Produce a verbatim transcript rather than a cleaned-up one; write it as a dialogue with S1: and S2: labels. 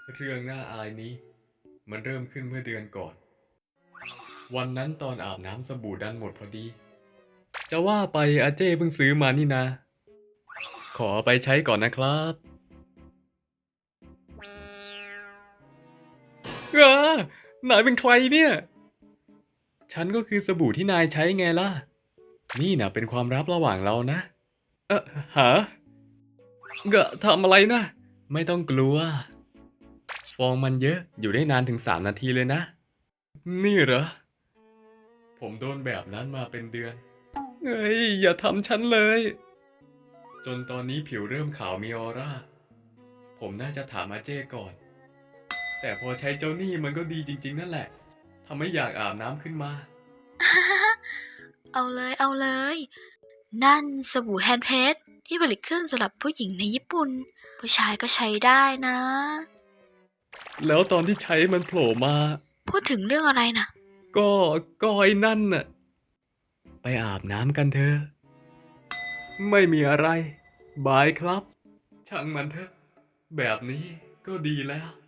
S1: เรื่องน่าอายนี้มันเริ่มขึ้นเมื่อเดือนก่อนวันนั้นตอนอาบน้ำสบู่ดันหมดพอดีจะว่าไปอาเจ้เพิ่งซื้อมานี่นะขอไปใช้ก่อนนะครับเออนายเป็นใครเนี่ยฉันก็คือสบู่ที่นายใช้ไงล่ะนี่นะเป็นความลับระหว่างเรานะเออหาเกะทำอะไรนะไม่ต้องกลัวฟองมันเยอะอยู่ได้นานถึงสามนาทีเลยนะนี่เหรอผมโดนแบบนั้นมาเป็นเดือนเฮ้ยอย่าทำฉันเลยจนตอนนี้ผิวเริ่มขาวมีออร่าผมน่าจะถามอาเจ้ก่อนแต่พอใช้เจ้านี่มันก็ดีจริงๆนั่นแหละทำให้อยากอาบน้ำขึ้นมา
S2: เอาเลยเอาเลย นั่นสบู่แฮนด์เพดที่ผลิตขึ้นสำหรับผู้หญิงในญี่ปุ่น ผู้ชายก็ใช้ได้นะ
S1: แล้วตอนที่ใช้มันโผล่มา
S2: พูดถึงเรื่องอะไรนะ
S1: ก็ก็ไอ้นั่นน่ะไปอาบน้ำกันเถอะไม่มีอะไรบายครับช่างมันเถอะแบบนี้ก็ดีแล้ว